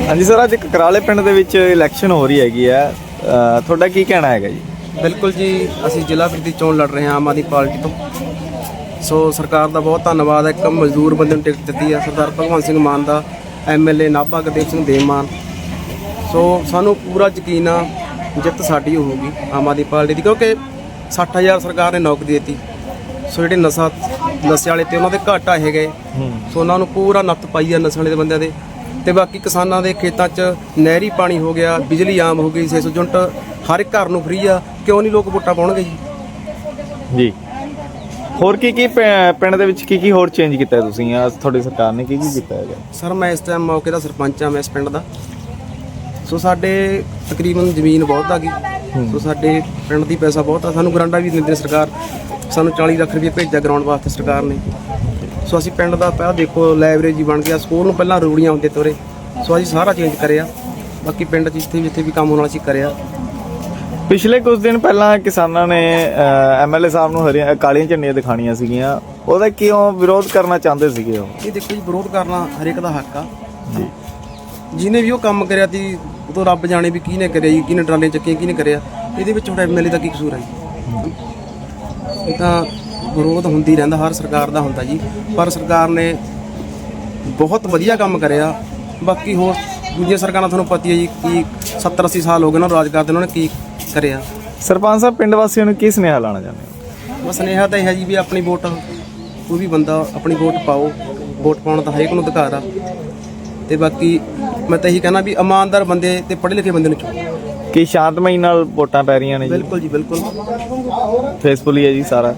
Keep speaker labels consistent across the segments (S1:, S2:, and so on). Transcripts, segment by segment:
S1: ਹਾਂਜੀ ਸਰ, ਅੱਜ ਕਕਰਾਲੇ ਪਿੰਡ ਦੇ ਵਿੱਚ ਇਲੈਕਸ਼ਨ ਹੋ ਰਹੀ ਹੈਗੀ ਹੈ, ਤੁਹਾਡਾ ਕੀ ਕਹਿਣਾ ਹੈਗਾ ਜੀ?
S2: ਬਿਲਕੁਲ ਜੀ, ਅਸੀਂ ਜ਼ਿਲ੍ਹਾ ਪ੍ਰੀਸ਼ਦ ਚੋਣ ਲੜ ਰਹੇ ਹਾਂ ਆਮ ਆਦਮੀ ਪਾਰਟੀ ਤੋਂ। ਸੋ ਸਰਕਾਰ ਦਾ ਬਹੁਤ ਧੰਨਵਾਦ ਹੈ, ਇੱਕ ਮਜ਼ਦੂਰ ਬੰਦੇ ਨੂੰ ਟਿਕਟ ਦਿੱਤੀ ਹੈ ਸਰਦਾਰ ਭਗਵੰਤ ਸਿੰਘ ਮਾਨ ਦਾ, ਐਮਐਲਏ ਨਾਭਾ ਗੁਰਦੇਵ ਸਿੰਘ ਦੇਵਮਾਨ। ਸੋ ਸਾਨੂੰ ਪੂਰਾ ਯਕੀਨ ਆ ਜਿੱਤ ਸਾਡੀ ਹੋਊਗੀ ਆਮ ਆਦਮੀ ਪਾਰਟੀ ਦੀ, ਕਿਉਂਕਿ 60,000 ਸਰਕਾਰ ਨੇ ਨੌਕਰੀ ਦਿੱਤੀ। ਸੋ ਜਿਹੜੇ ਨਸ਼ੇ ਵਾਲੇ ਤੇ ਉਹਨਾਂ ਦੇ ਘਾਟਾ ਇਹ ਗਏ, ਸੋ ਉਹਨਾਂ ਨੂੰ ਪੂਰਾ ਨੱਥ ਪਾਈ ਆ ਨਸ਼ੇ ਵਾਲੇ ਦੇ ਬੰਦਿਆਂ ਦੇ। ਤੇ ਬਾਕੀ ਕਿਸਾਨਾਂ ਦੇ ਖੇਤਾਂ 'ਚ ਨਹਿਰੀ ਪਾਣੀ ਹੋ ਗਿਆ, ਬਿਜਲੀ ਆਮ ਹੋ ਗਈ, 600 ਯੂਨਿਟ ਹਰ ਇੱਕ ਘਰ ਨੂੰ ਫ੍ਰੀ ਆ। ਕਿਉਂ ਨਹੀਂ ਲੋਕ ਵੋਟਾਂ ਪਾਉਣਗੇ
S1: ਜੀ? ਹੋਰ ਕੀ ਪਿੰਡ ਦੇ ਵਿੱਚ ਕੀ ਹੋਰ ਚੇਂਜ ਕੀਤਾ ਹੈ ਤੁਸੀਂ? ਤੁਹਾਡੀ ਸਰਕਾਰ ਨੇ ਕੀ ਕੀਤਾ ਹੈਗਾ?
S2: ਸਰ, ਮੈਂ ਇਸ ਟਾਈਮ ਮੌਕੇ ਦਾ ਸਰਪੰਚ ਆ, ਮੈਂ ਇਸ ਪਿੰਡ ਦਾ। ਸੋ ਸਾਡੇ ਤਕਰੀਬਨ ਜ਼ਮੀਨ ਬਹੁਤ ਆ ਗਈ। ਸੋ ਸਾਡੇ ਪਿੰਡ ਦੀ ਪੈਸਾ ਬਹੁਤ ਆ, ਸਾਨੂੰ ਗਰਾਂਟਾਂ ਵੀ ਦਿੰਦੀ ਸਰਕਾਰ। ਸਾਨੂੰ 40 ਲੱਖ ਰੁਪਏ ਭੇਜਿਆ ਗਰਾਊਂਡ ਵਾਸਤੇ ਸਰਕਾਰ ਨੇ। ਸੋ ਅਸੀਂ ਪਿੰਡ ਦਾ ਪਹਿਲਾਂ ਦੇਖੋ ਲਾਇਬ੍ਰੇਰੀ ਬਣ ਗਿਆ, ਸਕੂਲ ਨੂੰ ਪਹਿਲਾਂ ਰੂੜੀਆਂ ਹੁੰਦੇ ਤੋਰੇ। ਸੋ ਅਸੀਂ ਸਾਰਾ ਚੇਂਜ ਕਰਿਆ। ਬਾਕੀ ਪਿੰਡ 'ਚ ਜਿੱਥੇ ਵੀ ਕੰਮ ਹੋਣਾ ਅਸੀਂ ਕਰਿਆ।
S1: ਪਿਛਲੇ ਕੁਝ ਦਿਨ ਪਹਿਲਾਂ ਕਿਸਾਨਾਂ ਨੇ ਐਮਐਲਏ ਸਾਹਿਬ ਨੂੰ ਕਾਲੀਆਂ ਝੰਡੀਆਂ ਦਿਖਾਣੀਆਂ ਸੀਗੀਆਂ, ਉਹਦਾ ਕਿਉਂ ਵਿਰੋਧ ਕਰਨਾ ਚਾਹੁੰਦੇ ਸੀਗੇ ਉਹ?
S2: ਇਹ ਦੇਖੋ ਜੀ, ਵਿਰੋਧ ਕਰਨਾ ਹਰੇਕ ਦਾ ਹੱਕ ਆ ਜੀ। ਜਿਹਨੇ ਵੀ ਉਹ ਕੰਮ ਕਰਿਆ ਤੀ ਉਦੋਂ ਰੱਬ ਜਾਣੇ ਵੀ ਕਿਹਨੇ ਕਰਿਆ ਜੀ, ਕਿਹਨੇ ਟਰਾਲੀਆਂ ਚੱਕੀਆਂ, ਕਿਹਨੇ ਕਰਿਆ। ਇਹਦੇ ਵਿੱਚ ਹੁਣ ਐਮਐਲਏ ਦਾ ਕੀ ਕਸੂਰ ਹੈ ਜੀ? ਇਹ ਤਾਂ ਵਿਰੋਧ ਹੁੰਦੀ ਰਹਿੰਦਾ, ਹਰ ਸਰਕਾਰ ਦਾ ਹੁੰਦਾ ਜੀ। ਪਰ ਸਰਕਾਰ ਨੇ ਬਹੁਤ ਵਧੀਆ ਕੰਮ ਕਰਿਆ। ਬਾਕੀ ਹੋਰ ਦੂਜੀਆਂ ਸਰਕਾਰਾਂ ਤੁਹਾਨੂੰ ਪਤਾ ਹੈ ਜੀ, ਕੀ 70-80 ਸਾਲ ਹੋ ਗਏ ਉਹਨਾਂ ਨੂੰ ਰਾਜ ਕਰਦੇ, ਉਹਨਾਂ ਨੇ ਕੀ ਕਰਿਆ।
S1: ਸਰਪੰਚ ਸਾਹਿਬ, ਪਿੰਡ ਵਾਸੀਆਂ ਨੂੰ ਕੀ ਸੁਨੇਹਾ ਲਾਉਣਾ ਚਾਹੁੰਦੇ ਹੋ?
S2: ਬਸ ਸੁਨੇਹਾ ਤਾਂ ਇਹ ਹੈ ਜੀ ਵੀ ਆਪਣੀ ਵੋਟ, ਕੋਈ ਵੀ ਬੰਦਾ ਆਪਣੀ ਵੋਟ ਪਾਓ। ਵੋਟ ਪਾਉਣ ਦਾ ਹਰੇਕ ਨੂੰ ਅਧਿਕਾਰ ਆ। ਤੇ ਬਾਕੀ ਮੈਂ ਤਾਂ ਇਹੀ ਕਹਿਣਾ ਵੀ ਇਮਾਨਦਾਰ ਬੰਦੇ ਤੇ ਪੜ੍ਹੇ ਲਿਖੇ ਬੰਦੇ ਨੂੰ ਚੁਣੋ।
S1: ਕੀ ਸ਼ਾਂਤਮਈ ਨਾਲ ਵੋਟਾਂ ਪੈ ਰਹੀਆਂ ਨੇ ਜੀ?
S2: ਬਿਲਕੁਲ ਜੀ, ਬਿਲਕੁਲ
S1: ਫੇਸਬੁੱਲ ਹੀ ਹੈ ਜੀ ਸਾਰਾ।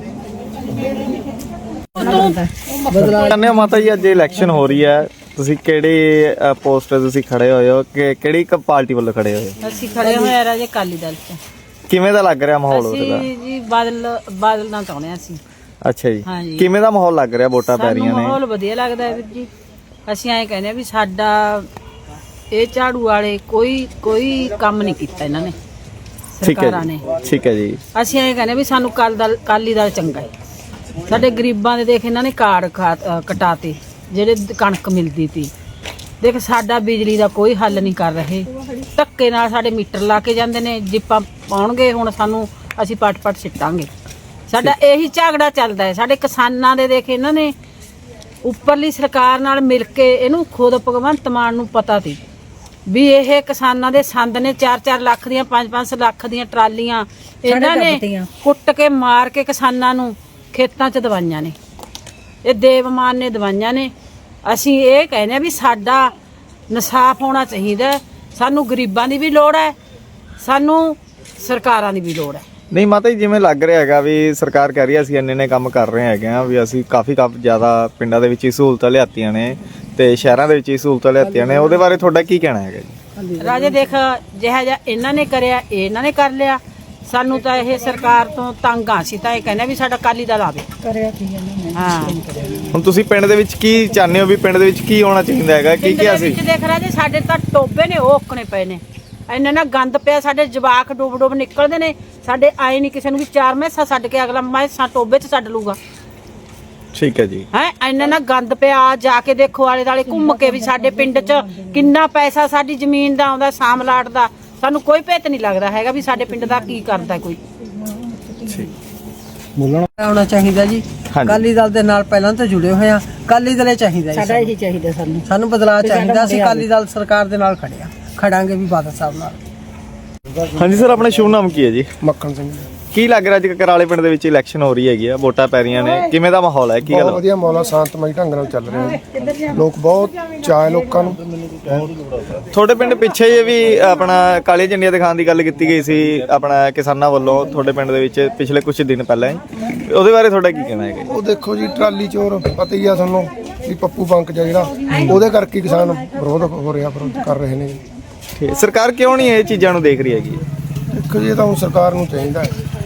S1: ਕਹਿੰਦੇ ਹੋ ਮਾਤਾ ਜੀ, ਅੱਜ ਇਲੈਕਸ਼ਨ ਹੋ ਰਹੀ ਹੈ, ਤੁਸੀਂ ਕਿਹੜੇ ਪੋਸਟ ਤੇ ਤੁਸੀਂ ਖੜੇ ਹੋਏ ਹੋ, ਕਿਹੜੀ ਪਾਰਟੀ ਵੱਲੋਂ ਖੜੇ ਹੋਏ ਹੋ?
S3: ਅਸੀਂ ਖੜੇ ਹੋਏ ਆ ਰਾਜੇ ਅਕਾਲੀ ਦਲ ਚ।
S1: ਕਿਵੇਂ ਦਾ ਲੱਗ ਰਿਹਾ ਮਾਹੌਲ ਉਹਦਾ?
S3: ਅਸੀਂ ਜੀ ਬਾਦਲ ਨਾਲ ਚਾਹੁੰਦੇ ਹਾਂ ਅਸੀਂ।
S1: ਅੱਛਾ ਜੀ,
S3: ਹਾਂਜੀ।
S1: ਕਿਵੇਂ ਦਾ ਮਾਹੌਲ ਲੱਗ ਰਿਹਾ? ਵੋਟਾਂ ਪੈ ਰਹੀਆਂ ਨੇ,
S3: ਮਾਹੌਲ ਵਧੀਆ ਲੱਗਦਾ ਹੈ ਵੀਰ ਜੀ। ਅਸੀਂ ਐਂ ਕਹਿੰਦੇ ਆ ਵੀ ਸਾਡਾ ਇਹ ਝਾੜੂ ਵਾਲੇ ਕੋਈ ਕੰਮ ਨਹੀਂ ਕੀਤਾ ਇਹਨਾਂ ਨੇ, ਸਰਕਾਰਾਂ ਨੇ।
S1: ਠੀਕ ਹੈ ਜੀ।
S3: ਅਸੀਂ ਐਂ ਕਹਿੰਦੇ ਵੀ ਸਾਨੂੰ ਅਕਾਲੀ ਦਲ ਚੰਗਾ ਹੈ। ਸਾਡੇ ਗਰੀਬਾਂ ਦੇ ਦੇਖ ਇਹਨਾਂ ਨੇ ਕਾਰਡ ਕਟਾਤੇ, ਜਿਹੜੇ ਕਣਕ ਮਿਲਦੀ ਤੀ। ਦੇਖ ਸਾਡਾ ਬਿਜਲੀ ਦਾ ਕੋਈ ਹੱਲ ਨਹੀਂ ਕਰ ਰਹੇ, ਧੱਕੇ ਨਾਲ ਸਾਡੇ ਮੀਟਰ ਲਾ ਕੇ ਜਾਂਦੇ ਨੇ। ਜਿੱਪਾਂ ਪਾਉਣਗੇ ਹੁਣ ਸਾਨੂੰ, ਅਸੀਂ ਪਟ ਸਿੱਟਾਂਗੇ। ਸਾਡਾ ਇਹੀ ਝਗੜਾ ਚੱਲਦਾ ਹੈ। ਸਾਡੇ ਕਿਸਾਨਾਂ ਦੇ ਦੇਖ ਇਹਨਾਂ ਨੇ ਉੱਪਰਲੀ ਸਰਕਾਰ ਨਾਲ ਮਿਲ ਕੇ, ਇਹਨੂੰ ਖੁਦ ਭਗਵੰਤ ਮਾਨ ਨੂੰ ਪਤਾ ਸੀ ਵੀ ਇਹ ਕਿਸਾਨਾਂ ਦੇ ਸੰਦ ਨੇ 4-4 ਲੱਖ ਦੀਆਂ 5-5 ਲੱਖ ਦੀਆਂ ਟਰਾਲੀਆਂ ਇਹਨਾਂ ਨੇ ਕੁੱਟ ਕੇ ਮਾਰ ਕੇ ਕਿਸਾਨਾਂ ਨੂੰ ਖੇਤਾਂ 'ਚ ਦਵਾਈਆਂ ਨੇ। ਇਹ ਦੇਵਮਾਨ ਨੇ ਦਵਾਈਆਂ ਨੇ। ਅਸੀਂ ਇਹ ਕਹਿੰਦੇ ਆ ਵੀ ਸਾਡਾ ਇਨਸਾਫ ਹੋਣਾ ਚਾਹੀਦਾ। ਸਾਨੂੰ ਗਰੀਬਾਂ ਦੀ ਵੀ ਲੋੜ ਹੈ, ਸਾਨੂੰ ਸਰਕਾਰਾਂ ਦੀ ਵੀ ਲੋੜ ਹੈ।
S1: ਨਹੀਂ ਮਾਤਾ ਜੀ, ਜਿਵੇਂ ਲੱਗ ਰਿਹਾ ਹੈਗਾ ਵੀ ਸਰਕਾਰ ਕਹਿ ਰਹੀ ਹੈ ਅਸੀਂ ਇੰਨੇ ਕੰਮ ਕਰ ਰਹੇ ਹੈਗੇ ਆ, ਵੀ ਅਸੀਂ ਕਾਫੀ ਜ਼ਿਆਦਾ ਪਿੰਡਾਂ ਦੇ ਵਿੱਚ ਹੀ ਸਹੂਲਤਾਂ ਲਿਆਤੀਆਂ ਨੇ ਤੇ ਸ਼ਹਿਰਾਂ ਦੇ ਵਿੱਚ ਹੀ ਸਹੂਲਤਾਂ ਲਿਆਤੀਆਂ ਨੇ, ਉਹਦੇ ਬਾਰੇ ਤੁਹਾਡਾ ਕੀ ਕਹਿਣਾ ਹੈਗਾ ਜੀ?
S3: ਰਾਜੇ ਦੇਖ, ਜਿਹੜਾ ਜਿਹਾ ਇਹਨਾਂ ਨੇ ਕਰਿਆ ਇਹਨਾਂ ਨੇ ਕਰ ਲਿਆ। ਸਾਨੂੰ ਤਾਂ ਇਹ ਸਰਕਾਰ ਤੋਂ ਤੰਗ ਆ। ਅਸੀਂ ਤਾਂ ਇਹ ਕਹਿੰਦੇ ਵੀ ਸਾਡਾ ਅਕਾਲੀ ਦਲ ਆਵੇ। ਹਾਂ,
S1: ਹੁਣ ਤੁਸੀਂ ਪਿੰਡ ਦੇ ਵਿੱਚ ਕੀ ਚਾਹੁੰਦੇ ਹੋ ਵੀ ਪਿੰਡ ਦੇ ਵਿੱਚ ਕੀ ਹੋਣਾ ਚਾਹੀਦਾ ਹੈਗਾ? ਕੀ ਅਸੀਂ
S3: ਦੇਖ ਰਾਜੇ, ਸਾਡੇ ਤਾਂ ਟੋਬੇ ਨੇ ਉਹ ਔਕਣੇ ਪਏ ਨੇ, ਇੰਨਾ ਨਾ ਗੰਦ ਪਿਆ। ਸਾਡੇ ਜਵਾਕ ਡੁੱਬ ਨਿਕਲਦੇ ਨੇ। ਸਾਡੇ ਆਏ ਨਹੀਂ ਕਿਸੇ ਨੂੰ ਵੀ 4 ਮੈਸਾਂ ਛੱਡ ਕੇ ਅਗਲਾ ਮੈਸਾਂ ਟੋਬੇ 'ਚ ਛੱਡ ਲੂਗਾ।
S1: ਠੀਕ ਹੈ ਜੀ।
S3: ਹੈ ਇੰਨਾ ਨਾ ਗੰਦ ਪਿਆ, ਜਾ ਕੇ ਦੇਖੋ ਆਲੇ ਦੁਆਲੇ ਘੁੰਮ ਕੇ ਵੀ ਸਾਡੇ ਪਿੰਡ 'ਚ ਕਿੰਨਾ ਪੈਸਾ ਸਾਡੀ ਜ਼ਮੀਨ ਦਾ ਆਉਂਦਾ, ਸਾਮਲਾਟ ਦਾ। ਸਾਨੂੰ ਕੋਈ ਭੇਤ ਨਹੀਂ ਲੱਗਦਾ ਹੈਗਾ ਵੀ ਸਾਡੇ ਪਿੰਡ ਦਾ ਕੀ ਕਰਦਾ ਕੋਈ।
S4: ਆਉਣਾ ਚਾਹੀਦਾ ਜੀ। ਅਕਾਲੀ ਦਲ ਦੇ ਨਾਲ ਪਹਿਲਾਂ ਤੋਂ ਜੁੜੇ ਹੋਏ ਆ। ਅਕਾਲੀ ਦਲ ਚਾਹੀਦਾ,
S3: ਸਾਡਾ ਇਹੀ ਚਾਹੀਦਾ। ਸਾਨੂੰ
S4: ਬਦਲਾਅ ਚਾਹੀਦਾ। ਅਸੀਂ ਅਕਾਲੀ ਦਲ ਸਰਕਾਰ ਦੇ ਨਾਲ ਖੜਾਂਗੇ ਵੀ ਬਾਦਲ ਸਾਹਿਬ ਨਾਲ।
S1: ਹਾਂਜੀ ਸਰ, ਆਪਣਾ ਸ਼ੁਭ ਨਾਮ ਕੀ ਹੈ ਜੀ?
S2: ਮੱਖਣ ਸਿੰਘ।
S1: ਕੀ ਲੱਗ ਰਿਹਾ ਅੱਜ ਕਕਰਾਲੇ ਪਿੰਡ ਦੇ ਵਿੱਚ ਇਲੈਕਸ਼ਨ ਹੋ ਰਹੀ ਹੈਗੀ ਆ, ਵੋਟਾਂ ਪੈ ਰਹੀਆਂ ਨੇ, ਕਿਵੇਂ ਦਾ ਮਾਹੌਲ ਹੈ? ਕੀ ਗੱਲ?
S5: ਵਧੀਆ ਮਾਹੌਲ ਆ, ਸ਼ਾਂਤਮਈ ਢੰਗ ਨਾਲ ਚੱਲ ਰਿਹਾ ਹੈ। ਲੋਕ ਬਹੁਤ ਚਾਅ ਲੋਕਾਂ ਨੂੰ।
S1: ਤੁਹਾਡੇ ਪਿੰਡ ਪਿੱਛੇ ਜੇ ਵੀ ਆਪਣਾ ਕਾਲੀਆਂ ਝੰਡੀਆਂ ਦਿਖਾਉਣ ਦੀ ਗੱਲ ਕੀਤੀ ਗਈ ਸੀ ਆਪਣਾ ਕਿਸਾਨਾਂ ਵੱਲੋਂ, ਤੁਹਾਡੇ ਪਿੰਡ ਦੇ ਵਿੱਚ ਪਿਛਲੇ ਕੁਝ ਦਿਨ ਪਹਿਲਾਂ ਹੀ, ਉਹਦੇ ਬਾਰੇ ਤੁਹਾਡਾ ਕੀ ਕਹਿਣਾ ਹੈਗਾ?
S5: ਉਹ ਦੇਖੋ ਜੀ, ਟਰਾਲੀ ਚੋਰ ਪਤਾ ਹੀ ਆ ਤੁਹਾਨੂੰ ਵੀ ਪੱਪੂ ਬੰਕ ਜਿਹੜਾ, ਉਹਦੇ ਕਰਕੇ ਕਿਸਾਨ ਵਿਰੋਧ ਹੋ ਰਿਹਾ, ਵਿਰੋਧ ਕਰ ਰਹੇ ਨੇ।
S1: ਸਰਕਾਰ ਕਿਉਂ ਨਹੀਂ ਇਹ ਚੀਜ਼ਾਂ ਨੂੰ ਦੇਖ ਰਹੀ ਹੈਗੀ?
S5: ਦੇਖੋ ਜੀ, ਇਹ ਤਾਂ ਹੁਣ ਸਰਕਾਰ ਨੂੰ ਚਾਹੀਦਾ ਹੈ